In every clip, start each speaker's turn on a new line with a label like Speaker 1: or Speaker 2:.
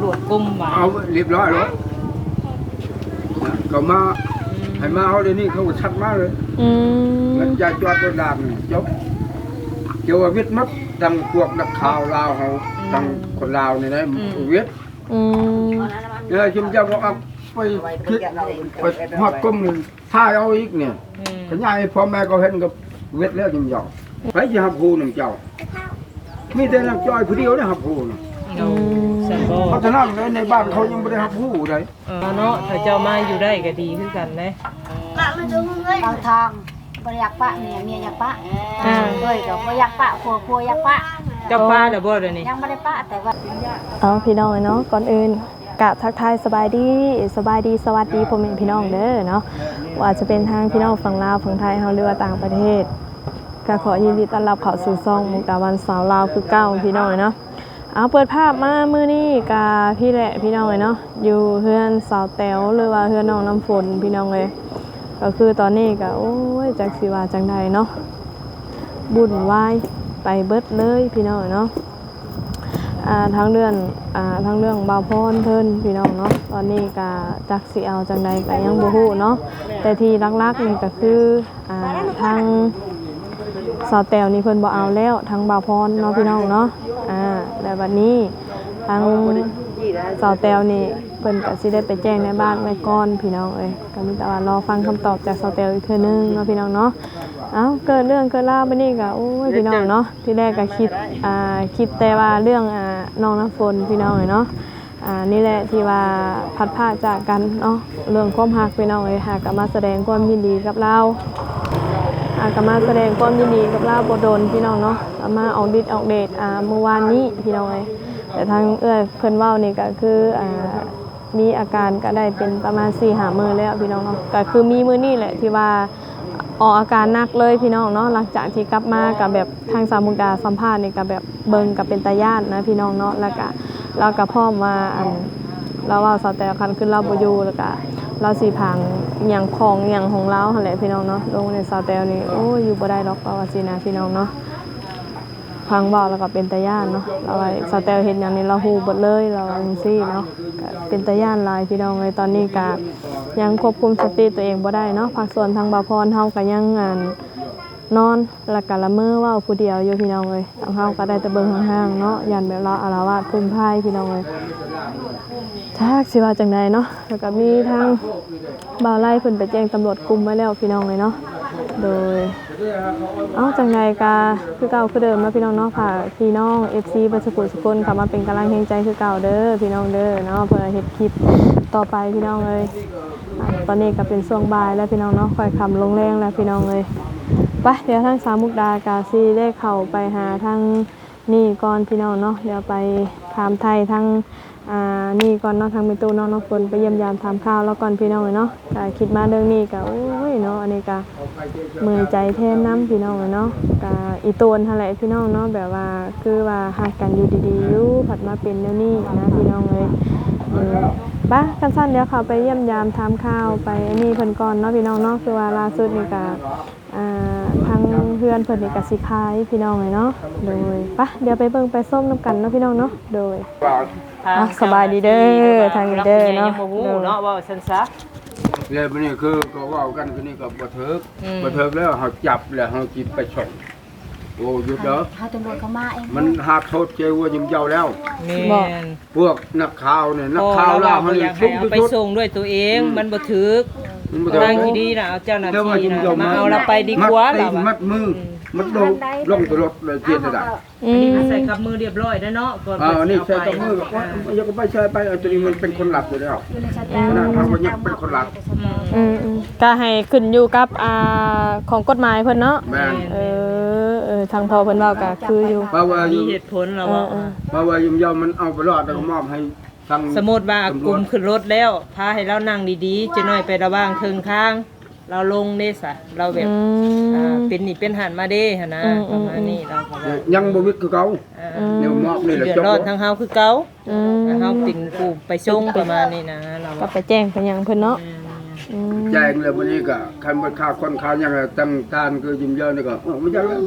Speaker 1: วจกลุ่มบ่
Speaker 2: เอาเรียบร้อยแล้วเขามาให้มาเอาเดี๋ยวนี้เขาก็ชัดมากเลยแล้วจะจอดรถดำจบเกี่ยวกับวิทย์มัดดังพวกนักข่าวลาวเขาดังคนลาวนี่นะวิทย์เนี่ยชิมจะบอกเอาไปคิดไปหอดก้มท่าเอาอีกเนี่ยขยายพ่อแม่ก็เห็นกับวิทย์แล้วชิมยอมไปจะหับหูหนึ่งเจ้ามีแต่นักจอยผู้เดียวได้หับหูนะเพราะฉะนั้นในบ้านเขายังไม่ได้หับหูเลย
Speaker 1: เนาะถ้าเจ้ามาอยู่ได้ก็ดีขึ้นกันนะ
Speaker 3: บางทางบริยักปะเมียยักปะเลยกับบริยักปะครัวยักปะ
Speaker 1: เจ้าป้าเดี๋ยวบ่เดี๋ยวนี้
Speaker 3: ยังไม่ได้ปะแต่ว่า
Speaker 4: พี่น้องเนาะก่อนอื่นกะทักทายสบายดีสวัสดีพ่อแม่พี่น้องเด้อเนาะว่าจะเป็นทางพี่น้องฝั่งลาวฝั่งไทยเฮาหรือว่าต่างประเทศก็ขอยินดีต้อนรับเข้าสู่ช่องมุกดาวันสาวลาวคือเก่าพี่น้องเนาะเอาเปิดภาพมามื้อนี้กะพี่แหละพี่น้องเนาะอยู่เฮือนสาวแต๋วหรือว่าเฮือนน้องน้ำฝนพี่น้องเลยก็คือตอนนี้ก็โอ้ยจักสิว่าจังใดเนาะบุญวายไปเบิดเลยพี่น้องเนาะทั้งเรื่องบ่าวพรเพิ่นพี่น้องเนาะตอนนี้ก็จักสิเอาจังใดก็ยังบ่ฮู้เนาะแต่ที่ลักๆนี่ก็คือทางสาวแต๋วนี่เพิ่นบ่เอาแล้วทางบ่าวพรเนาะพี่น้องเนาะแล้วบัดนี้ทางสาวแต๋วนี่เพิ่นก็สิได้ไปแจ้งในบ้านไว้ก่อนพี่น้องเอ้ยก็มีแต่ว่ารอฟังคำตอบจากสาวแต๋วอีกเทื่อนึงเนาะพี่น้องเนาะเกิดเรื่องเกิดราวบัดนี้ก็โอ้ยพี่น้องเนาะที่แรกก็คิดแต่ว่าเรื่องน้องน้ำฝนพี่น้องเนาะนี่แหละที่ว่าพัดพาจากกันเนาะเรื่องความรักพี่น้องเอ้ยก็มาแสดงความยินดีกับเราก็มาแสดงความยินดีกับเราบ่โดนพี่น้องเนาะมาออกฤทธิ์ออกเดชเมื่อวานนี้พี่น้องเอ้ยแต่ทางเพิ่นเว้านี่ก็คือมีอาการก็ได้เป็นประมาณ 4-5 มื้อแล้วพี่น้องเนาะก็คือมีมื้อนี้แหละที่ว่าออกอาการหนักเลยพี่น้องเนาะหลังจากที่กลับมากับแบบทางสาวมุกดาสัมภาษณ์นี่ก็แบบเบิ่งกับเป็นตาญาตินะพี่น้องเนาะแล้วก็เราก็พร้อมว่าเราว่าสาวแต่คันขึ้นเราบ่อยู่แล้วก็เราสิพังหยังของเราหั่นแหละพี่น้องเนาะลงในสาวแต่นี่โอ้ยอยู่บ่ได้ดอกว่าสินะพี่น้องเนาะพังเว้าแล้วก็เป็นตาญาติเนาะเราว่าสาวแต่เฮ็ดหยังนี่เราฮู้หมดเลยเราว่าจังซี่เนาะก็เป็นตาญาติหลายพี่น้องเลยตอนนี้ก็ยังควบคุมสติตัวเองบ่ได้เนาะภาคส่วนทางบ่าวพรเฮาก็ยังนอนแล้วก็ละเมอเว้าผู้เดียวอยู่พี่น้องเอ้ยทางเฮาก็ได้แต่เบิ่งห่างๆเนาะยันแบบเราอาละวาดพุ่มพายพี่น้องเอ้ยจักสิว่าจังไดเนาะแล้วก็มีทางบ่าวไล่เพิ่นไปแจ้งตำรวจกุมไว้แล้วพี่น้องเลยเนาะโดยจังไดก็คือเก่าคือเดิมเนาะพี่น้องเนาะฝากพี่น้อง FC บัดสุขุสุคนเข้ามาเป็นกำลังแรงใจคือเก่าเด้อพี่น้องเด้อเนาะเพื่อเฮ็ดคลิปต่อไปพี่น้องเอ้ยตอนนี้ก็เป็นช่วงบ่ายแล้วพี่น้องเนาะค่อยค่ำลงแรงแล้วพี่น้องเอ้ยไปเดี๋ยวทางสาวมุกดากาซีได้เข้าไปหาทางนี่ก่อนพี่น้องเนาะเดี๋ยวไปถามไทยทางนี่ก่อนเนาะทางมิตูน้องน้ำฝนไปเยี่ยมยามถามข่าวแล้วก่อนพี่น้องเลยเนาะก็คิดมาเรื่องนี้ก็โอ้ยเนาะอันนี้ก็มือใจแทนน้ำพี่น้องเลยเนาะก็อีโตนอะไรพี่น้องเนาะแบบว่าคือว่าหักกันอยู่ดีๆอยู่ผัดมาเป็นเดี๋ยวนี้นะพี่น้องเลยบ้ากันสั้นเดี๋ยวเขาไปเยี่ยมยามถามข่าวไปนี่เพิ่นก่อนเนาะพี่น้องเนาะคือว่าล่าสุดนี่ก็ทางเพื่อนเพิ่นนี่ก็สิขายพี่น้องเลยเนาะโดยปะเดี๋ยวไปเบิ่งไปส้มน้ำกันเนาะพี่น้องเนาะโดยสบายดีเด้อทางนี้เด้อเนาะ
Speaker 1: เนาะว่าซั่นซะ
Speaker 2: เลยบัดนี้คือก็เว้ากันคือนี่ก็บ่เถิกแล้วเฮาจับแล้วเฮาจิบไปส่งโอ้หยุดเด้อ
Speaker 3: ถ้าตำรวจเขามาเอง
Speaker 2: มันหากโทษเจว่ายิ้มเจ้าแล้ว
Speaker 1: แม่น
Speaker 2: พวกนักข่าวเนี่ยนักข่าวลาวเฮานี่
Speaker 1: เอาไปส่งด้วยตัวเองมันบ่ถึกทางที่ดีน่ะเอาเจ้าหน้าที่น่ะมาเอาเราไปดีกว่าล่ะ
Speaker 2: มัดมือมัดลงตลอดเลยเจียนได้
Speaker 1: อันนี้ใส่กับมือเรียบร้อยแล้วเนาะก่อน
Speaker 2: นี่ใส่กับมือยังก็ไปใช้ไปตัวนี้มันเป็นคนหลับอยู่แล้วนะทางมันยังเป็นคนหลับ
Speaker 4: ก็ให้ขึ้นอยู่กับของกฎหมายเพิ่นเนาะทางพอเพิ่นเว้าก็คืออยู่
Speaker 1: มีเหตุผลแล้ว
Speaker 2: ว่ายิ้มเจ้ามันเอาไปรอดแล้วก็มอบให้
Speaker 1: สมมติว่ากลุ่มขึ้นรถแล้วพาให้เรานั่งดีๆจะน้อยไประว่างครึ่งทางเราลงเด้ซะเราแบบเป็นนี่เป็นหันมาเด้หั่นนะประมาณนี้เรา
Speaker 2: ยังบ่วิกคือเก่าเดี๋ยวมอบนี่แหละ
Speaker 1: จบรอดทางเฮาคือเก่าเฮาติ่งผู้ไปส่งประมาณนี้นะเรา
Speaker 4: ก็ไปแจ้งไปยังเพิ่นเนาะ
Speaker 2: แจ้งแล้ววันนี้ก็คันบ่ค่าคนค่ายังตั้งการคือยิ้มเยอะนี่ก็มันจะ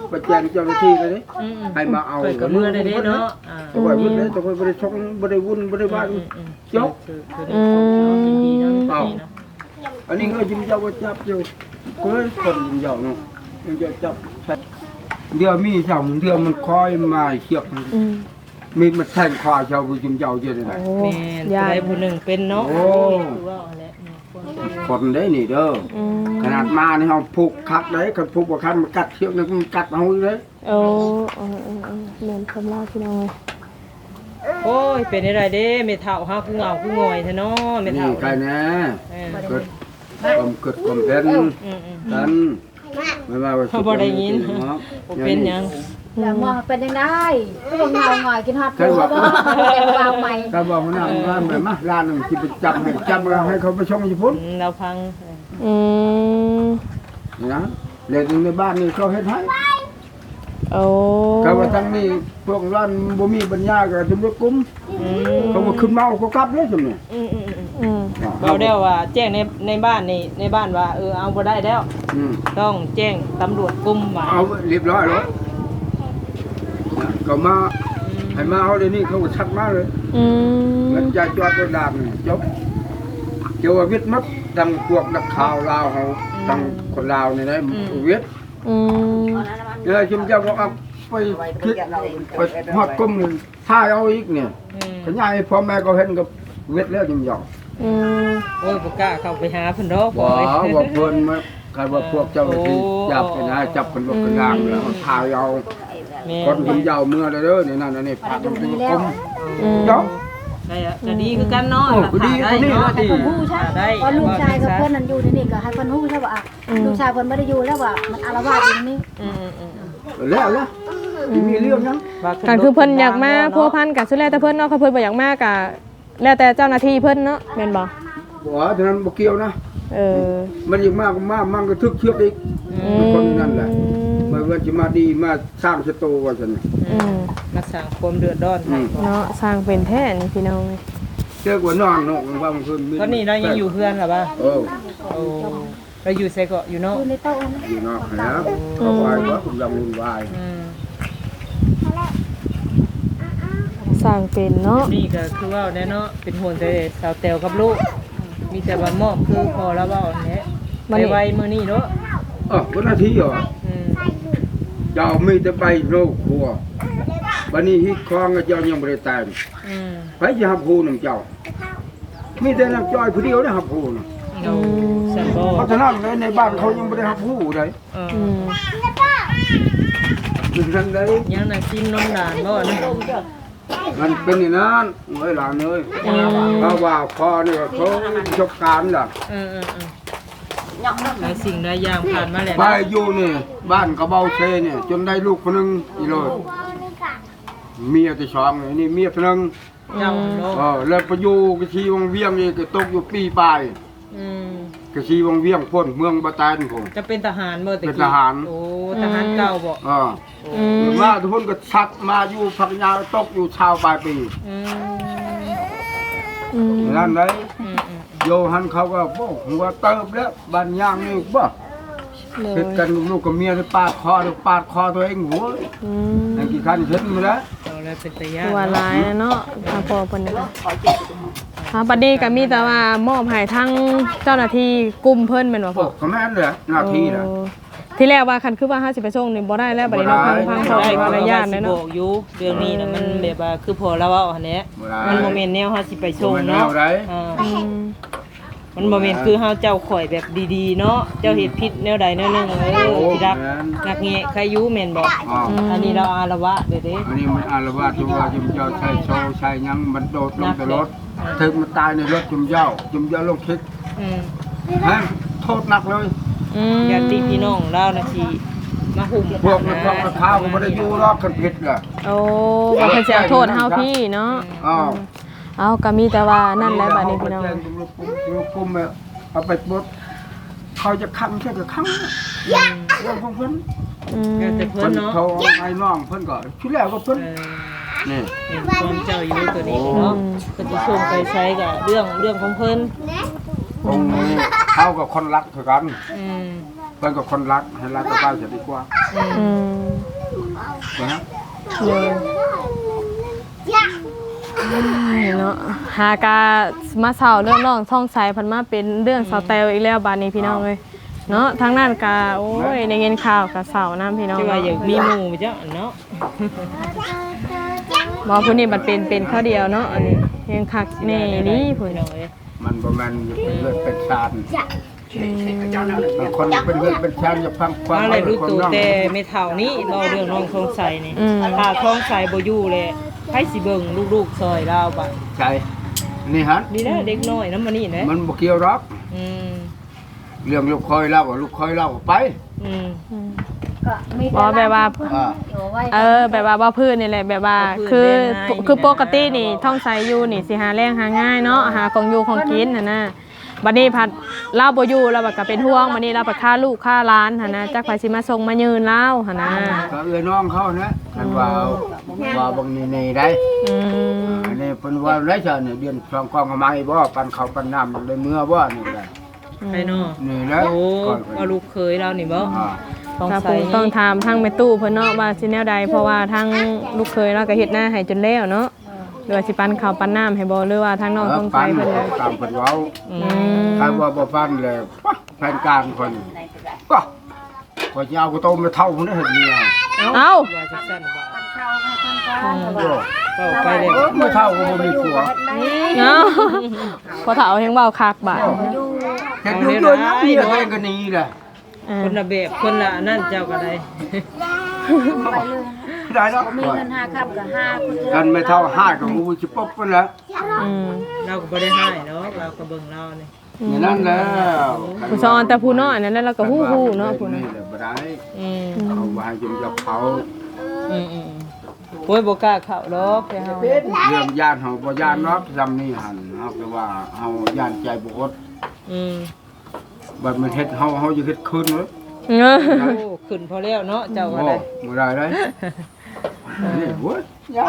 Speaker 2: ไปแจ้งเจ้าหน้าที่เลยนี่
Speaker 1: อืม
Speaker 2: ให้มาเอา
Speaker 1: เปิดกับมือได้เด้เนาะอ่า
Speaker 2: ตัวเพิ่นเลยตัวเพิ่นบ่ได้ชงบ่ได้วุ่นบ่ได้บ้านจบ
Speaker 1: คือดีเนาะ
Speaker 2: เอา
Speaker 1: ดีเนาะ
Speaker 2: อันนี้ก็ยิ้มเจ้าว่าจับอยู่ก็เลยคนยิ้มเจ้าเนาะยิ้มเจ้าจับเดี๋ยวมีสองเดี๋ยวมันคอยมาเชือก
Speaker 4: อืม
Speaker 2: มีมันแทงคอเจ้ายิ้มเจ้าเยอะเลยนะ
Speaker 4: โอ้
Speaker 1: แม่น
Speaker 4: ยา
Speaker 1: ผู้
Speaker 4: ย
Speaker 1: ใดผู้หนึ่งเป็นเนาะ
Speaker 2: โอ้
Speaker 1: คือว่าเอาแหละเนี่ยควรจะ
Speaker 2: คนได้นี่เด้อ
Speaker 4: อืม
Speaker 2: ขนาดมานี่เฮาผูกคักได้คันผูกบ่คันมันกัดเชือกนึงมันกัดเอาเลย
Speaker 4: โอ้เหมือนคำเล่าพี่น้องเลย
Speaker 1: โอ้ยเป็นอะไรเด้เมทัลฮะคือเหงาคืองอยแท้เนาะเมทั
Speaker 2: นี่
Speaker 1: ล
Speaker 2: ใครแน่
Speaker 1: เออ
Speaker 2: เกิดความเป็น
Speaker 1: อืม
Speaker 2: กันไม่ว่าว่า
Speaker 1: เขาบ่ได้ยินบ่เป็นหยัง
Speaker 3: แล้วมองเป็นยังไงก็เงาหงอยกินฮอดปูก็บ่วางใหม่
Speaker 2: ก็บอกว่าว่าแบบมาร้านนึงสิไปจับให้จับแล้วให้เขาไปชงญี่ปุ่น
Speaker 1: เราพัง
Speaker 4: อืม
Speaker 2: นะเด็กในบ้านนี่เขาเฮ็ดให้
Speaker 4: โอ้
Speaker 2: ก็ว่าทั้งนี้พวกร้านบ่มีปัญญาก็ตำรวจกุม
Speaker 1: อืม
Speaker 2: เขาก็ขึ้นเมาเขากลับเลยซั่นนี่
Speaker 1: อืม
Speaker 4: อืม
Speaker 1: เราได้ว่าแจ้งในบ้านนี่ในบ้านว่าเอาบ่ได้แล้ว
Speaker 2: อืม
Speaker 1: ต้องแจ้งตำรวจกลุ่มว่า
Speaker 2: เอาเรียบร้อยแล้วก็มาให้มาเอาเดี๋ยวนี้เขาก็ชัดมาเลย
Speaker 4: อืม
Speaker 2: เงินจ่ายจอดรถดามนี่จบเกี่ยวกับวิทย์มัดดังพวกนักข่าวลาวเขาดังคนลาวนี่นะวิทย์
Speaker 4: อืม
Speaker 2: เนี่ยชิมเจ้าก็เอาไปคิดไปฮอดก้มนี่ถ่ายเอาอีกเนี่ย
Speaker 1: อืม
Speaker 2: ขยายพ่อแม่ก็เห็นกับวิทย์แล้วชิมเจ้า
Speaker 4: อืม
Speaker 1: โอ้ยบ่กล้าเข้าไปหาเพิ่นดอก
Speaker 2: บ่
Speaker 1: เลย
Speaker 2: ว่าเพิ่นมาใครว่าพวกเจ้าหน้าที่จับไปนะจับคนรถคนรางแล้วเขาถ่ายเอา
Speaker 1: แม่
Speaker 2: คนชิมเจ้าเมื่อเด้อนี่นั่นอันนี้พากันไปก้ม
Speaker 4: อืม
Speaker 2: เจ้า
Speaker 1: ได้อะก็ดีคือกันเนาะ
Speaker 2: โอ้ก็ดี
Speaker 1: ได้
Speaker 2: ก็ดี
Speaker 1: เนาะ
Speaker 2: ก็ดี
Speaker 3: เพิ่นฮู้ใช่
Speaker 1: ได้
Speaker 3: ว่าลูกชายกับเพิ่นนั่นอยู่ที่นี่ก็ให้เพิ่นฮู้ใช่ป่ะลูกชายเพิ่นบ่ได้อยู่แล้วว่ามันอาละวาดอยู่นี่
Speaker 1: อืม
Speaker 2: แล้วมีเรื่องยัง
Speaker 4: ก็คือเพิ่นอยากมาพัวพันกับสุดแล้วแต่เพิ่นเนาะเขาเพิ่นบ่อยากมากะแล้วแต่เจ้าหน้าที่เพิ่นเนาะแม่นบ่
Speaker 2: บ่ฉะนั้นบ่เกี่ยวนะ
Speaker 4: เออ
Speaker 2: มันยิ่งมากมันก็ทึกเชือกอีกคนนั่นแหละมันว่าสิมาดีมาสร้างสตูว่าซั่น
Speaker 4: อืม
Speaker 1: มาสร้างความเดือดร้อนให้
Speaker 4: เนาะสร้างเป็นแท้นี่พี่น้อง
Speaker 2: เชือกว่านอนนกว่ามันคือ
Speaker 1: ตอนนี้เรายังอยู่เพื่อนหรอป่ะ
Speaker 2: โอ้
Speaker 1: โอ้เราอยู่ไสเกาะอยู่เนาะ
Speaker 3: อยู่ในโต๊ะนะ
Speaker 2: อยู่นอกแล้วเขาวายว่าผมยังวุ่นวาย
Speaker 1: อืม
Speaker 4: สร้างเป็นเนาะ
Speaker 1: นี่ก็คือว่าแน่เนาะเป็นห่วงแต่สาวแตวกับลูก มีแต่ว่ามอบคือพอแล้วว่าอันเนี้ยไปไวมื้อนี้เนาะ
Speaker 2: วันอาทิตย์เหรอ
Speaker 1: อืม
Speaker 2: เจ้ามีแต่ใบโรคครัววันนี้ฮิตคลองเจ้ายังบ่ได้แต่ง
Speaker 1: อืม
Speaker 2: ไปจะหับหูนำเจ้ามีแต่น้ำจ้อยผู้เดียวได้หับหูนะ
Speaker 1: เอาสันบ่
Speaker 2: เพราะฉะนั้นในบ้านเขายังบ่ได้หับหูเลย
Speaker 1: เออ
Speaker 4: อืม
Speaker 2: ถึงทันได้
Speaker 1: ยังน่ะกินนมหลานบ่นะ
Speaker 2: มันเป็นอย่างนั้นเอ้ยหลานเอ้ยเพราะว่าพ่อนี่เขาชกการล่ะ
Speaker 1: เออหลายสิ่งหลายอย่างผ่านมาแล้ว
Speaker 2: ไปอยู่นี่บ้านกระเบาเซเนี่ยจนได้ลูกคนหนึงอีโลดเมียที่สองนี่เมียคนหนึง
Speaker 1: เจ้าเนาะ
Speaker 2: แล้วไปอยู่กระชีวังเวียงนี่ก็ตกอยู่ปีปลาย
Speaker 1: อืม
Speaker 2: กระชีวังเวียงพ้นเมืองบาตานผม
Speaker 1: จะเป็นทหารบ่ตะกี้
Speaker 2: เป็นทหาร
Speaker 1: โอ้ทหารเก่าบ่
Speaker 4: อืม
Speaker 2: มาทุกคนก็ชัดมาอยู่พักยาวตกอยู่ชาวปลายปี
Speaker 1: อืม
Speaker 4: อืม
Speaker 2: นั่นเลย
Speaker 1: อืม
Speaker 2: โยหันเขาก็บอกหัวเติบแล้วบ้านย่างนี่บ่
Speaker 4: เล
Speaker 2: เฮ็
Speaker 4: ย
Speaker 2: ดกันลูกกับเมียปาดคอตัวเองหัว
Speaker 4: อืม
Speaker 2: นั่นกี่คันเห็นมาแล้ว
Speaker 1: เอาแล้วเป็นตะยา
Speaker 4: ตัวลายเนาะทางพอเพิ่นน่ะบัดนี้ก็มีแต่ว่ามอบให้ทั้งเจ้าหน้าที่กลุ่มเพิ่นแม่นบ่
Speaker 2: โอ้
Speaker 4: พ่อ
Speaker 2: ก็แม่นเลยหน้าที่น่ะ
Speaker 4: โอ้ที่แรกว่าคันคือว่า50ไปส่งนี่บ่ได้แล้วบัดนี้เนาะพังๆพอ
Speaker 1: ได้
Speaker 4: เป็น
Speaker 1: ว่า
Speaker 4: ระยะ
Speaker 1: สิ
Speaker 4: เลย
Speaker 1: บ
Speaker 4: เนาะ
Speaker 1: อกอยู่เรื่องนี้น่ะมันแบบว่าคือพอแล้วเว้าอันเนี้ยมันบ่แม่นแนวเฮาสิไปส่งเนาะอ่า
Speaker 4: อืม
Speaker 1: มันบ่แม่นคือเฮาเจ้าข่อยแบบดีๆเนาะเจ้าเฮ็ดผิดแนวใดแนวหนึงสิรักนักแงะใครอยู่แม่นบ่
Speaker 2: อ๋อ
Speaker 1: อันนี้เราอารวะเด้
Speaker 2: อันนี้มันอารวาสจุมว่าจุมเจ้าใช้โชว์ใช้หยังมันโดดลงแต่รถถึงมันตายในรถจุมเจ้าลงคิด
Speaker 1: อืม
Speaker 2: ฮะโทษหนักเลย
Speaker 4: อืม
Speaker 1: ญาติพี่น้องเราน่ะสิมาหุ่ม
Speaker 2: พวกนั้นพวกข้าวก็ไม่ได้อยู่รอกกันผิดล่ะ
Speaker 4: โอ้บ่เพิ่นสิเอาโทษเฮาพี่เนาะ
Speaker 2: อ้าว
Speaker 4: เอาก็มีแต่ว่านั่นแหละบัดนี้พี่น้อง
Speaker 2: ลูกกุมเอาไปบดเขาจะขังแค่กับขังเรื่องของเพิ่น
Speaker 4: อืม
Speaker 1: แต่เพิ่
Speaker 2: เพิ่
Speaker 1: น
Speaker 2: น
Speaker 1: เนาะ
Speaker 2: เขาไอ้น้องเพิ่นก็ชุดแรกก็เพิ่น นี่
Speaker 1: เห็นความเจ้าอยู่ตัวนี้เนาะเพิ่นสิส่งไปใช้กับเรื่องของเพิ่น
Speaker 2: องค์นี้เขากับคนรักคือกัน
Speaker 1: อืม
Speaker 2: เพิ่นก็คนรักให้รักก็บ้านจะดีกว่า
Speaker 4: อืม
Speaker 2: นะ
Speaker 4: เลยเนาะหากามาเศร้าเรื่องน้องท่องใสพันมาเป็นเรื่องเสาแตวอีกแล้วบานนี้พี่น้องเลยเนาะทางนั้นกาโอ้ยในเงินข่าวกับเสาน้ำพี่น้อง
Speaker 1: จะว่าอยากมีหมู่เจ้าเนาะ
Speaker 4: บอกผู้นี้บัดเป็นข้าวเดียวเนาะอันนี้ยังคักแน่นี่ผู้
Speaker 1: พี่
Speaker 4: น้
Speaker 1: น้
Speaker 4: อ
Speaker 1: อง งเอ้ย
Speaker 2: มันบ่แม่นเลือดเป็นชาญบางคนเป็นเลือดเป็นชาญอย่าพังความ
Speaker 1: มาเลยรู้ตัวแต่ไม่เท่านี้เราเรื่องน้องทองใสนี่ถ้าทองใสบ่อยู่เลยให้สิเบิ่งลูกๆซอยเราบ่
Speaker 2: ใช่นี่ฮะ
Speaker 1: ดีนะเด็กน้อยนำมานี่นะ
Speaker 2: มันบ่เกี่ยวหรอก
Speaker 1: อืม
Speaker 2: เรื่องลูกคอยเล่าลูกคอยเล่าไป
Speaker 1: อืม
Speaker 3: ก็มี
Speaker 4: บอกแบบว่า
Speaker 2: อ่า
Speaker 4: แบบว่าบ่พื้นนี่แหละแบบว่าคือปกตินี่ท่องใสอยู่นี่สิหาแรงหาง่ายเนาะหาของอยู่ของกินหั่นน่ะบัดนี้พัดเล่าบ่อยู่แล้วบัดก็เป็นห่วงบัดนี้เราบัดค่าลูกค่าหลานหั่นน่ะจักไผสิมาส่งมายืนเล่าหั่นน่ะ
Speaker 2: ก็เอื้อน้องเขานะคันว่าบางนี่ได้
Speaker 4: อืม
Speaker 2: อันนี้เพิ่นว่าไรซะเนี่ยเดือนสองกองเอามาให้บ่ปันข้าวปันน้ำได้เมื่อบ่นี่แหละ
Speaker 1: ไปเนาะ
Speaker 2: นี่แหละ
Speaker 1: โอ้
Speaker 2: ก่อน
Speaker 1: เอาลูกเคยเรานี่บ่
Speaker 2: อ่า
Speaker 1: ทอง
Speaker 4: ถ้า
Speaker 1: ใส
Speaker 4: ปู่ต้องถามทางแม่ตู้เพิ่นเนาะว่าสิแนวใดเพราะว่าทางลูกเคยเราก็เฮ็ดหน้าให้จนแล้วเนาะหรือว่าสิปันข้าวปันน้ำให้บ่หรือว่าทางน้องท่องใสเพิ่นเลย
Speaker 2: ตามเพิ่นเว้า
Speaker 4: อืม
Speaker 2: ใครว่าบ่ฟังเลยปะแผนการคนก็ก็จะเอากระโตมาเท่าพุ่นได้เฮ็ดเมีย
Speaker 4: เอ้า
Speaker 1: ว่าจังซั่นบ่
Speaker 3: เข้าให้คนกลาง
Speaker 2: โอ้
Speaker 1: เข้าไปเลย
Speaker 2: ไม่เท่าก็บ่มีผัว
Speaker 4: เอ้าพอเฒ่าเฮงเว้าคักบาด
Speaker 2: เฮ็ดอยู่ด้วยนะเมียตัวเองก็หนีแหละ
Speaker 1: คนละแบบคนละนั่นเจ้าก็ได้
Speaker 3: ไปเลย
Speaker 2: ได้เนาะ
Speaker 3: มีเงิน5ครับกับ5
Speaker 2: กันไม่เท่าห้าก็งูสิป๊บพุ่นแล้ว
Speaker 4: อืม
Speaker 1: เราก็บ่ได้ให้เนาะเราก็เบิ่งเรานี่
Speaker 2: อย่างนั้นแล้ว
Speaker 4: ผู้ซ้อนแต่ผู้น้อยนั่นแหละเราก็ฮู้ๆเนาะผู้
Speaker 2: นี่
Speaker 4: นั้น
Speaker 2: แหละบ่ได้
Speaker 1: อืม
Speaker 2: เอาไว้ให้จนจะเผา
Speaker 1: อืมโอ้ยบ่กล้าเข้าดอกแต่เฮา
Speaker 2: เรื่องย่านเฮาบ่ย่านเนาะจำนี่หั่นเฮาก็ว่าเฮาย่านใจบ่อด
Speaker 1: อืม
Speaker 2: บัดมันเฮ็ดเฮาจะเฮ็ดคืนเนาะ
Speaker 4: เออ
Speaker 1: โอ้ขึ้นพอแล้วเนาะเจ้าก็
Speaker 2: โอ้
Speaker 1: ได้
Speaker 2: บ่ได้เลยนี่โว้ยย่าน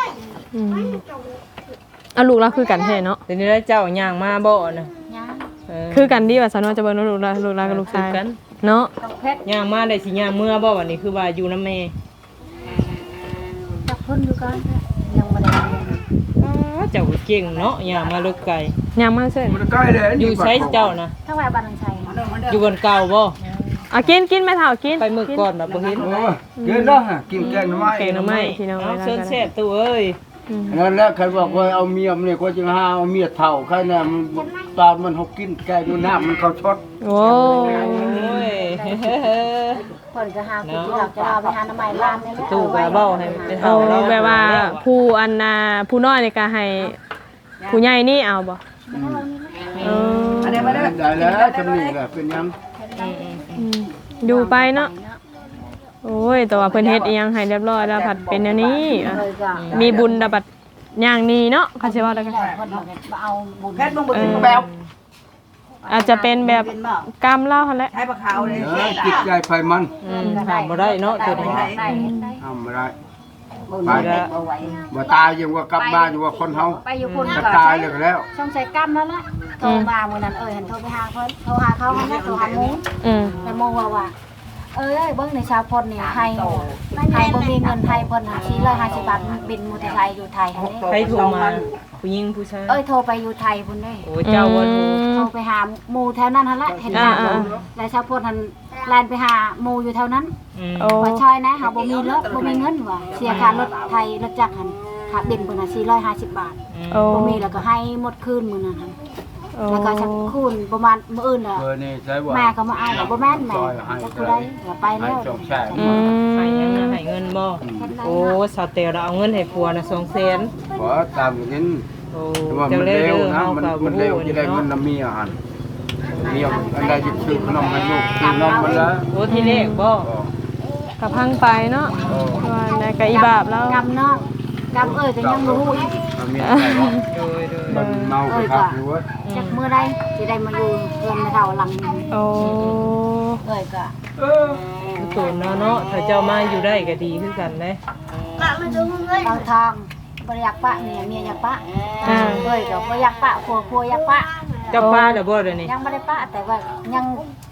Speaker 4: อืมเอาลูกเราคือกันแท้เนาะ
Speaker 1: ทีนี้แล้วเจ้าย่างมาบ่นะ
Speaker 3: ยัง
Speaker 4: คือกันดีว่าสนอจะเบิ่งลูกเรากับลูกชาย
Speaker 1: กัน
Speaker 4: เนาะ
Speaker 3: ต้องเพชร
Speaker 1: ย่างมาได้สิย่างเมื่อบ่วันนี้คือว่าอยู่นำแม่
Speaker 3: จับเพิ่นอยู่ก่อนยังบ่ได้
Speaker 1: เจ้าก็เก่งเนาะย่างมาลึกไกล
Speaker 4: ยังมาเซ่
Speaker 2: มันใกล้เลย
Speaker 1: อยู่ไสเจ้านะ
Speaker 3: ถ้าว่าบ้านทางชัย
Speaker 1: อยู่บนเก่าบ่
Speaker 4: เอากินแม่เฒ่ากิน
Speaker 1: ไปมื้อก่อนน่ะบ่เห็น
Speaker 2: โอ้กินเนาะกินแกงหน่อไม้
Speaker 4: แกงหน่อไม้พี่น้อง
Speaker 1: เอาเชิญแซ่บตู้เอ้ย
Speaker 2: นั่นแหละใครบอกว่าเอาเมียมันเนี่ยก็จึงหาเอาเมียเฒ่าใครน่ะมันตอนมันเฮากินแกงดูน้ำมันเข้าช็อต
Speaker 4: โอ้
Speaker 1: โอ้ย
Speaker 3: เพิ่นก็หาคุณหลักจะเอาไปหาน้ำใหม่ร้านนี่แหละ
Speaker 1: ตู้ก็เว้าให้ไป
Speaker 4: โอ้
Speaker 1: เฒ่าเรา
Speaker 4: แบบว่าผู้อันน่ะผู้น้อยนี่ก็ให้ผู้ใหญ่นี่เอาบ่เออ
Speaker 2: ได้แล้วจำนี่แหละเป็นยัง
Speaker 4: อืมอยู่ไปเนาะโอ้ยแต่ว่าเพิ่นเฮ็ดอีหยังให้เรียบร้อยแล้วผัดเป็นอันนี้อ่ะ
Speaker 3: เลยก็
Speaker 4: มีบุญดะบัดย่างนี้เนาะเขาสิว่าได้กัน
Speaker 3: เพิ่นบอกว่าเอาบุญ
Speaker 5: แพทย์มึงบ่ถึงแบบ
Speaker 4: อาจจะเป็นแบบ
Speaker 5: เป็นบ่
Speaker 4: กรรมเล่าหั่นแหละ
Speaker 5: ใช้ปลาขาวเลย
Speaker 2: จิตใจไฟมัน
Speaker 1: ถามบ่ได้เนาะตัวนี้
Speaker 3: ได้ได้
Speaker 2: ทำไม่ได้
Speaker 3: บุญ
Speaker 2: ไป
Speaker 3: ได้บ่ไหว
Speaker 2: บ่ตายยังว่ากลับบ้านอยู่ว่าคนเฮา
Speaker 3: ไปอยู่คน
Speaker 2: จะ
Speaker 3: ก็
Speaker 2: ตายเลยก็แล้ว
Speaker 3: ช่องใช้กรรมนั่นแหละโทรมามื้อนั้นเห็นโทรไปหาเพิ่นโทรหาเขานั่นแหละโทรหาหมู
Speaker 4: อืม
Speaker 3: แต่โมว่าเอ้ยเบิ่งในชาวพลนี่ให้บ่มีเงินไทยเพิ่นหา450 บาทบินมอเตอร์ไซค์อยู่ไทยหั่นเด้
Speaker 1: ใครโทรมาผู้หญิงผู้ชาย
Speaker 3: เอ้ยโทรไปอยู่ไทยพุ่นเด้
Speaker 1: โอ้เจ้าว่าโทร
Speaker 3: โทรไปหาหมู่แถวนั้นหั่นแหละเห็นหน้าเพิ่นแล้วชาวพลหั่นแล่นไปหาหมู่อยู่แถวนั้น
Speaker 4: โอ้
Speaker 3: ว่าช่อยนะเฮาบ่มีรถบ่มีเงินว่ะเสียค่ารถไทยรถจักรหั่นค่าบินเพิ่นน่ะ450 บาท
Speaker 4: โอ้
Speaker 3: บ่มีแล้วก็ให้หมดคืนมื้อนั้นหั่น
Speaker 4: โอ้
Speaker 3: แล้วก็สักคืนประมาณมื้ออื่นน่ะ
Speaker 2: เบอร์นี่ใช่ว่า
Speaker 3: แม่ก็มาเอาบ่แม่นแม่จักผู้ใดก็ไป
Speaker 2: ให้
Speaker 3: แล้ว
Speaker 2: จบแช่
Speaker 4: อืม
Speaker 1: ให้ยังให้เงินบ่โอ้สาวเตลเราเอาเงินให้ผัวน่ะ200,000
Speaker 2: ขอตามอย่างนี้
Speaker 1: โอ้
Speaker 2: ว่า
Speaker 1: เจ้า
Speaker 2: มัน
Speaker 1: เล่
Speaker 2: เร็ว
Speaker 1: เด้อ
Speaker 2: นะ
Speaker 1: เฮา
Speaker 2: มัน
Speaker 1: ก็บ่
Speaker 2: มัน
Speaker 1: ฮู้
Speaker 2: เร็วจะได้เงิน
Speaker 1: เนาะ
Speaker 2: น้ำเมียหันเมียอันใดจะซื้อขนมให้ลูกซื้อนมมันแล้ว
Speaker 1: โอ้ที่เลขบ่
Speaker 4: กับพังไปเนาะว่าในกะอีบาปแล้ว
Speaker 3: กำเนาะกำเอ้ยก็ยังบ่ฮู้อีก
Speaker 2: เมียได้หรอ
Speaker 1: โดย
Speaker 2: มันเมาไปครับอยู่ว่า
Speaker 3: จักมื้อใดสิได้มาอยู่เรือนไม่เท่าหลังนี้
Speaker 4: โอ้
Speaker 3: เอ้ยก็
Speaker 1: ตูนเนาะถ้าเจ้ามาอยู่ได้ก็ดีคือกันเด้
Speaker 3: บางทางบ่อยากปะเมียอยากปะเอ้ยก็บ่อยากปะผัวอยากปะ
Speaker 1: เจ้าป้าเด้อบ่เดี๋ยวนี้
Speaker 3: ยังบ่ได้ปะแต่ว่ายัง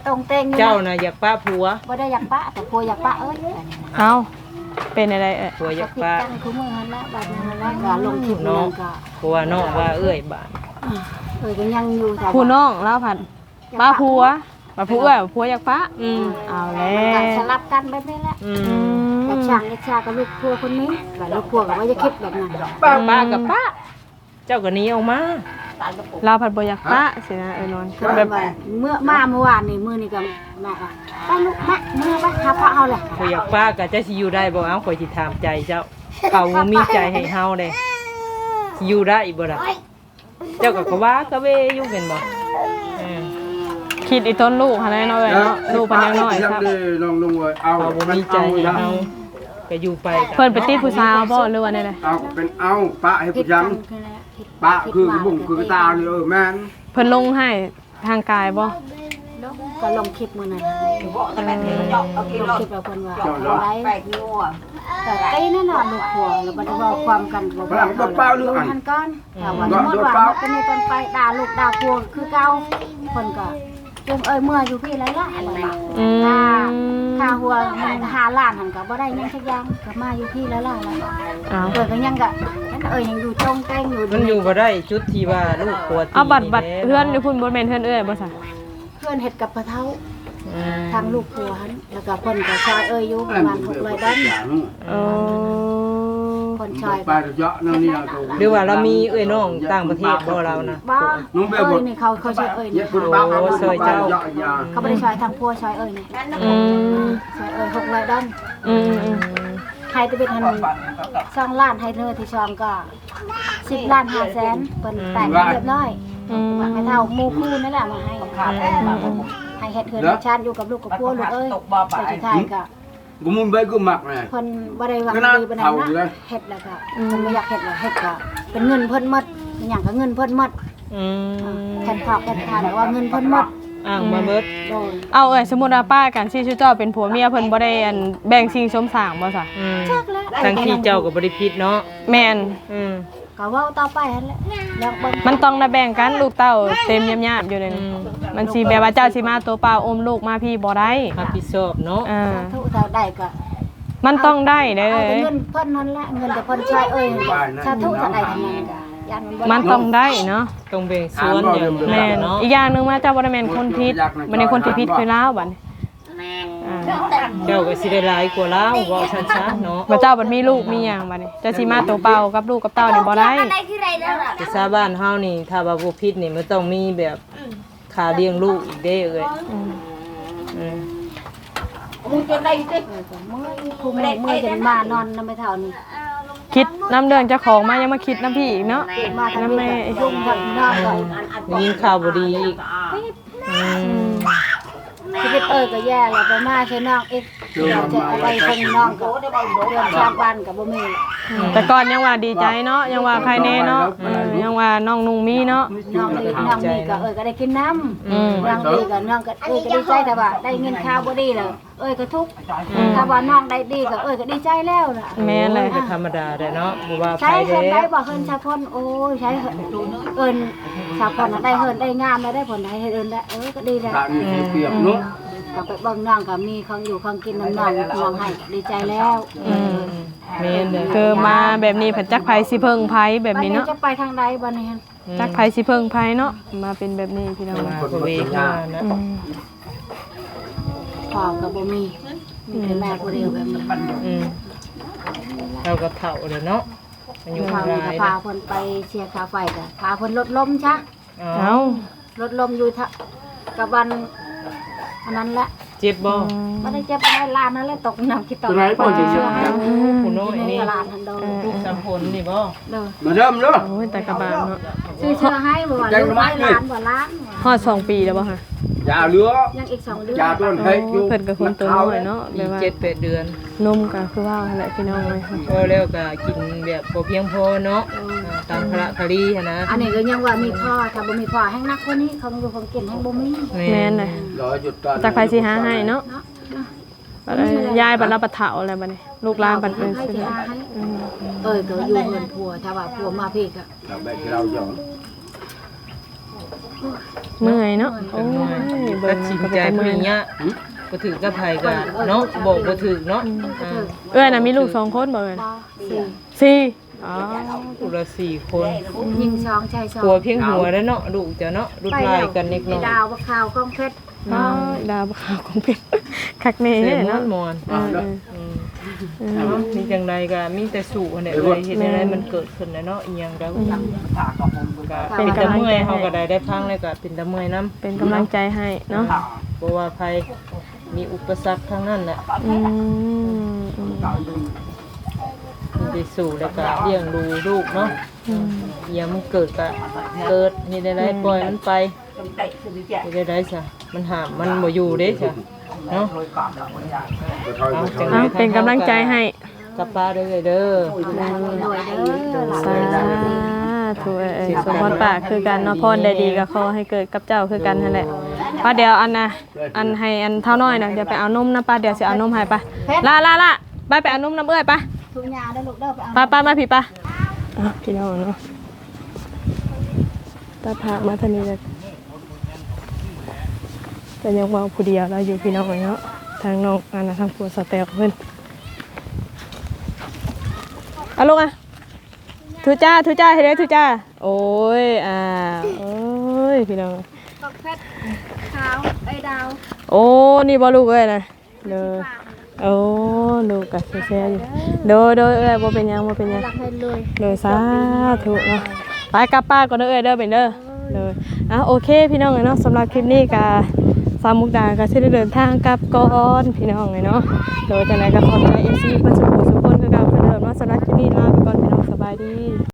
Speaker 3: ตรงเต็งอยู่
Speaker 1: เจ้าน่ะอยากป้าผัว
Speaker 3: บ่ได้อยากปะแต่ผัวอยากปะเอ้ย
Speaker 4: เอาเป็นอะไรเอ่ย
Speaker 1: ผัวอยาก
Speaker 3: ผิด
Speaker 1: ป้า
Speaker 3: กันคือมื้อนั้นละบัดนี้ละก็ลงคลิปนั่นก็
Speaker 1: ผัวน้องว่าเอ้ยบาด
Speaker 3: ก็ยังอยู่แต่
Speaker 4: ผู้น้องแล้วผัดป้าผัวป้าผัวผัวอยากป้าเอาแล้
Speaker 3: มันก็
Speaker 4: ว
Speaker 3: สลับกันแบบนี้แหละอยากช่างอยากชากับลูกผัวคนนี้กับลูกผัวก็ว่าจะคิดแบบนั้น
Speaker 1: ป้ากับป้าเจ้าก็หนีออกมา
Speaker 4: เราผัดบ่อยากป้าสินะนอน
Speaker 3: คือแบบเมื่อวานนี่มื้อนี้ก็มาก็ไปลูกแม่มื้อไปหาพระเอาแหละ
Speaker 1: ผัวอยากป้าก็จะสิอยู่ได้บ่เอาข่อยสิถามใจเจ้าเขาบ่มีใจให้เฮาเด้สิอยู่ได้บ่ล่ะเจ้าก็ว่ากะเวอยู่เป็นบ่อืม
Speaker 4: คิดอีต้นลูกหั่นแหละเนาะเอ้ยเนาะลูกเพิ่นยังน้อยครับ
Speaker 2: ลองลงเลยเอา
Speaker 1: เขาบ่มีใจให้เฮาก็อยู่ไป
Speaker 4: เพิ่นไปติดผู้สาวบ่หรือว่าแนวใด
Speaker 2: เอาเป็นเอาปะให้
Speaker 3: ผิ
Speaker 2: ผู้
Speaker 3: ด
Speaker 2: ยั
Speaker 3: กั
Speaker 2: ง
Speaker 3: นคือแล้วผิด
Speaker 2: ปะคือบุ้งคือตาเนี่ยแม่น
Speaker 4: เพิ่นลงให้ทางกายบ่
Speaker 3: ก็ลงคลิปมื้อนั้นลงคลิปแล้วเพิ่นว่าได้แต่ไอ้นั่นน่ะลูกผัวแล้วบ่ได้เว้าความกันบ่ดูทันก่อนแต่ว่าสมมุติว่าตอนนี้ตอนไปด่าลูกด่าผัวคือเก่าเพิ่นก็จมเมื่ออยู่พี่ไรละอะไรล่ะค่าหัวมัน5 ล้านหันก็บ่ได้ยังสักอย่างก็มาอยู่พี่แล้วล่ะ
Speaker 4: อ้าว
Speaker 3: เกิดก็ยังก็นั่นยังอยู่ตรงแต้งอยู่
Speaker 1: มันอยู่บ่ได้จุดที่ว่าลูกผัวตี
Speaker 4: เอาบัตรเพื่อนอยู่พุ่นบ่แม่นเพื่อนเอ้ยบ่ซะ
Speaker 3: เพื่อนเฮ็ดกับปะเท้าทางลูกผัวหันแล้วก็เพิ่นก็ซอยอยู่ประมาณ600ดอล
Speaker 4: โอ้
Speaker 3: เพิ่นซอย
Speaker 2: ไปเยอะนั่นนี่
Speaker 1: หรือว่าเรามีเอ้ยน้องต่างประเทศบ่เรานะ
Speaker 3: บ่นี่เขาซอยนี่
Speaker 2: คุณบ้าเขา
Speaker 3: บ่ได้ซอยทางผัวซอยนี่ ซอย600ดอลให้ตะเบ็ดหัน2 ล้านให้เธอที่2ก็10 ล้าน5แสนเพิ่นแต่งเรียบร้อยไม่เท่าหมู่คู่นั่นแหละมาให้เฮ็ดเฮือนชาติอยู่กับลูกกับผัวลูกเอ้ยแต่สุดท้ายก็
Speaker 2: กูมุ่งไปกูหมักเลย
Speaker 3: เพิ่นบ่ได้หวังดีปานนั้นนะเฮ็ดแล้วก็เพิ่นบ่อยากเฮ็ดแล้วเฮ็ดก็เป็นเงินเพิ่นหมดเป็นหยังก็เงินเพิ่นหมดแทนพอกแทนทานว่าเงินเพิ่นหมด
Speaker 1: อ้างมาเบิด
Speaker 3: โดน
Speaker 4: เอาเอ้ยสมมุติว่าป้ากันสิชื่อเจ้าเป็นผัวเมียเพิ่นบ่ได้อันแบ่งสิ่งสมสร้างบ่ซะ
Speaker 3: จักแล้ว
Speaker 1: ทั้งที่เจ้าก็บ่ได้ผิดเนาะ
Speaker 4: แม่น
Speaker 3: ก็เว้าต่อไปหั่นแหละแล้วเบิ่ง
Speaker 4: มันต้องได้แบ่งกันลูกเต้าเต็มยามๆอยู่เลยนี่มันสิแบบว่าเจ้าสิมาตัวเปล่าอมลูกมาพี่บ่ได้
Speaker 1: รับผิดชอบเนาะ
Speaker 3: ทุกเท่าได้ก็
Speaker 4: มันต้องได้เด้
Speaker 3: เอาแต่
Speaker 4: อ
Speaker 3: เงินเพิ่นนั่นแหละเงินแต่เพิ่นใช้ถ้าทุกเท่าใดทั้งนั้นก็ยัน
Speaker 4: มันต้องได้เนาะ
Speaker 1: ต้องแบ่งส่วนอย่าง
Speaker 4: แม่น
Speaker 1: เนาะ
Speaker 4: อีกอย่างหนึงว่าเจ้าบ่ได้แม่นคนผิดบ่ได้คนที่ผิดคือลาวบัดนี้
Speaker 1: เจ้าก็สิได้หลายกว่าเราเว้าชัดๆเนาะ
Speaker 4: ว่าเจ้าบัดมีลูกมีหยังบัดนี้เจ้าสิมาตัวเปล่ากับลูกกับเต้านี่บ่ได้
Speaker 1: แต่ชาวบ้านเฮานี่ถ้าว่าบ่ผิดนี่มันต้องมีแบบค่าเลี้ยงลูกอีกเด้เอ้ย
Speaker 3: มึงจะได้สิคุมเมื่อจะมานอนนำไปเท่านี้
Speaker 4: คิดน้ำเดืองเจ้าของมายังมาคิดน้ำพี่อีกเนาะ
Speaker 3: มาทางนี้ยุ่งกับนอกก่อน
Speaker 1: ยิงข่าวบ่ดีอีก
Speaker 3: ชีวิตก็แย่แล้วไปมาใช้น้องอีกเราจะเอาไปคนน้องก็เดือนชาบ้านกับบ่มี
Speaker 4: แต่ก่อนยังว่าดีใจเนาะยังว่าใครแน่เนาะยังว่าน้องนุ่งมีเนาะ
Speaker 3: น้องดีก็ก็ได้กินน้ำน้องดีก็น้องก็ก็ดีใจแต่ว่าได้เงินข้าวบ่ดีแล้วก็ทุกข์ถ้าว่าน้องได้ดีก็ก็ดีใจแล้วล่ะ
Speaker 4: แม่นเลย
Speaker 1: ธรรมดาได้เนาะบ่ว่าใคร
Speaker 3: ใช้เฮิ
Speaker 1: เด้
Speaker 3: นได้บ่เฮินชาพนโอ้ยใช้ชาพนได้เฮินได้งามได้ผลได้เฮินได้ก็ดีแล้ว
Speaker 2: ตานี่เปียกเนาะ
Speaker 3: ก็ไปเบิ่งน้องก็มีของอยู่ของกินน้ำน้องให้ดีใจแล้ว
Speaker 1: แม่นเด้อ
Speaker 4: คือมาแบบนี้ผัดจักไผสิเพิ่งไผแบบนี้เนาะ
Speaker 3: จะไปทางใดบัดนี้
Speaker 4: จักไผสิเพิ่งไผเนาะมาเป็นแบบนี้พี่น้อง
Speaker 1: มาบ่เวค่านะ
Speaker 3: พ่อก็บ่มีแต่แม่ผู้เดียวแบบนี้
Speaker 1: เราก็เฒ่าแล้วเนาะมันอยู่
Speaker 3: พ่อ
Speaker 1: หลา
Speaker 3: ก็
Speaker 1: ย
Speaker 3: พาเพิ่นไปเชียร์ค่าไฟก็พาเพิ่นลดลมซะ
Speaker 1: เอ้า
Speaker 4: เอ้า
Speaker 3: ลดลมอยู่กับวันอันนั้นแหละ
Speaker 1: เจ็บบ่
Speaker 3: บ่ได้เจ็บได้ล้านนั่นแหละตกน้ำคิดตก
Speaker 1: ผู้น้อยนี่
Speaker 3: ล้านทันโดน
Speaker 1: ลูกสามผลนี่บ่
Speaker 3: เด้อ
Speaker 2: มาเริ่มเนาะ
Speaker 4: โอ้ยแต่กระบาดเนาะ
Speaker 3: ซื้อเชื่อให้บ่ว่าลูกล้านบ่ล้าน
Speaker 4: ฮอด2 ปีแล้วบ่คะ
Speaker 2: ยาเหลือ
Speaker 3: ยังอีก2 เดือน
Speaker 2: ยาต้นให้อยู่
Speaker 4: เพิ่นก็คนตัวน้อยเนาะแบ
Speaker 1: อี
Speaker 4: บ
Speaker 1: ก
Speaker 4: ว่า
Speaker 1: 7-8 เดือน
Speaker 4: นมก็คือว่าแหละพี่น้องเลย
Speaker 1: พอแล้วก็กินแบบบ่เพียงพอเนาะตามพระคดีหั่นนะ
Speaker 3: อันนี้ก็ยังว่ามีพ่อถ้าบ่มีพ่อแห้งนักกว่านี้เขาอยู่ของกินแห้งบ่มี
Speaker 4: แม่นเลย จักไผสิหาให้เนาะยายบัดเราบัดเฒ่าอะไรบัดนี้ลูกหลานบัดเป็น
Speaker 3: ให้
Speaker 4: สิ
Speaker 3: สิหาให้ก็อยู่เงินผัวถ้าว่าผัวมาพี่ก็
Speaker 2: เราแบบเราหยอง
Speaker 4: เมื่อยเนาะโอ้ย
Speaker 1: ตัดสินใจผู้นี้เนี่ยบ่ถือกับไผก็เนาะบอกบ่ถือเนาะ
Speaker 4: เอ้ยน่ะมีลูก2คนบ่เอ้ย
Speaker 3: สี่
Speaker 4: 4อ๋อ
Speaker 1: ผู้ละ4คน
Speaker 3: ยิงสองชายสอง
Speaker 1: หัวเพียงหัวแล้วเนาะลูกเจ้าเนาะรุ่นลายกันนิดหน่อย
Speaker 3: ดาวบักขาวก้องเพชร
Speaker 4: อ๋อดาวขาวของเพชรคักแน่
Speaker 1: เสีย
Speaker 4: เนาะ
Speaker 1: มอน
Speaker 4: เออ
Speaker 1: มีจังใดก็มีแต่สู่อันใดเลยเฮ็ดให้มันเกิดขึ้นเนาะอีหยังก็ก็เป็นตะเมื่อยเฮาก็ได้พังแล้วก็เป็นตะเมื่อยนำ
Speaker 4: เป็นกำลังใจให้เนาะ
Speaker 1: บ่ว่าภัยมีอุปสรรคทั้งนั้นแหละ
Speaker 4: อืม
Speaker 1: มีไปสู่แล้วก็เลี้ยงดูลูกเนาะอีหยังมันเกิดก็เกิดเฮ็ดได้ปล่อยมันไปเฮ็ดได้ซะมันห้ามมันบ่อยู่เด้ซะเนาะ
Speaker 4: เอาเป็นกำลังใจให้
Speaker 1: กับป้าเด้อเด้อ
Speaker 3: รวยเด้อ
Speaker 4: สาธุสมพรปากคือกันเนาะพรได้ดีก็ขอให้เกิดกับเจ้าคือกันนั่นแหละป้าเดี๋ยวอันนะอันให้อันเท่าน้อยนะเดี๋ยวไปเอานมนะป้าเดี๋ยวสิเอานมให้ป้าล่าไปเอานมน้ำเอ้ยป้า
Speaker 3: ทุกยาได้ลูกเด้อไปเอา
Speaker 4: ป้ามาพี่ป้าพี่น้องเนาะตาพามาทางนี้เลยแต่ยังว่าผู้เดียวเราอยู่พี่น้องเนาะทางน้องอันนะทางผัวสเตลเพิ่นเอาลูกอ่ะทุจ้าเฮ็ดได้ทุจ้าโอ้ยโอ้ยพี่น้อง
Speaker 3: ก้องเพชรขาวไอ้ดาว
Speaker 4: โอ้นี่บ่ลูกเอ้ยนะเลยโอ้ลูกก็แซ่ๆอยู่โดยเอ้ยบ่เป็นหยัง
Speaker 3: รักให้รวย
Speaker 4: เลยสาธุเนาะไปกับป้าก่อนเด้อเอ้ยเด้อเป็นเด้อเลยโอเคพี่น้องเนาะสำหรับคลิปนี้ก็สามมุกดาก็สิได้เดินทางกลับก่อนพี่น้องเนาะโดยจังได๋ก็ขอบใจ FC เพิ่นสุขสุขคนคือเก่าเพิ่นเดิมเนาะสำหรับคลิปนี้ลาไปก่อนพี่น้องสบายดี